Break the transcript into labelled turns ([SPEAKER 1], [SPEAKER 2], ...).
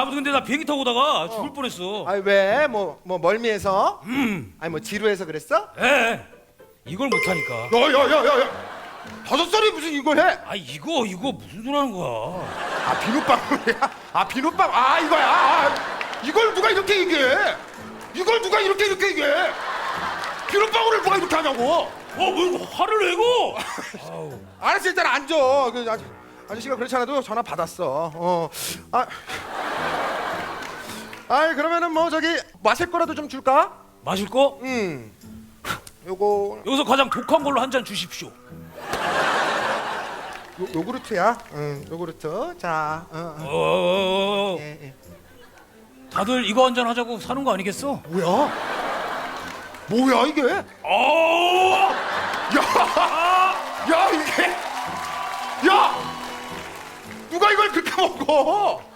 [SPEAKER 1] 아무튼 근데 나 비행기 타고 오다가 죽을 뻔했어.
[SPEAKER 2] 아니 왜? 뭐 멀미해서? 아니 뭐 지루해서 그랬어?
[SPEAKER 1] 예. 이걸 못하니까.
[SPEAKER 2] 야야야야야 5살이 무슨 이걸 해?
[SPEAKER 1] 아 이거 무슨 소리 하는 거야?
[SPEAKER 2] 아 비눗방울이야? 아 비눗방 아 이거야 아, 이걸 누가 이렇게 얘기해? 이걸 누가 이렇게 얘기해? 비눗방울을 누가 이렇게 하냐고?
[SPEAKER 1] 뭐 화를 내고?
[SPEAKER 2] 알았어 일단 앉아 그 아저씨가 그렇지 않아도 전화 받았어 아이 그러면은 뭐 저기 마실 거라도 좀 줄까?
[SPEAKER 1] 마실 거?
[SPEAKER 2] 요거
[SPEAKER 1] 여기서 가장 독한 걸로 한 잔 주십시오.
[SPEAKER 2] 요구르트야 요구르트 자
[SPEAKER 1] 어.
[SPEAKER 2] 예.
[SPEAKER 1] 다들 이거 한 잔 하자고 사는 거 아니겠어?
[SPEAKER 2] 뭐야 이게?
[SPEAKER 1] 어.
[SPEAKER 2] 야 이게 야 누가 이걸 그렇게 먹어?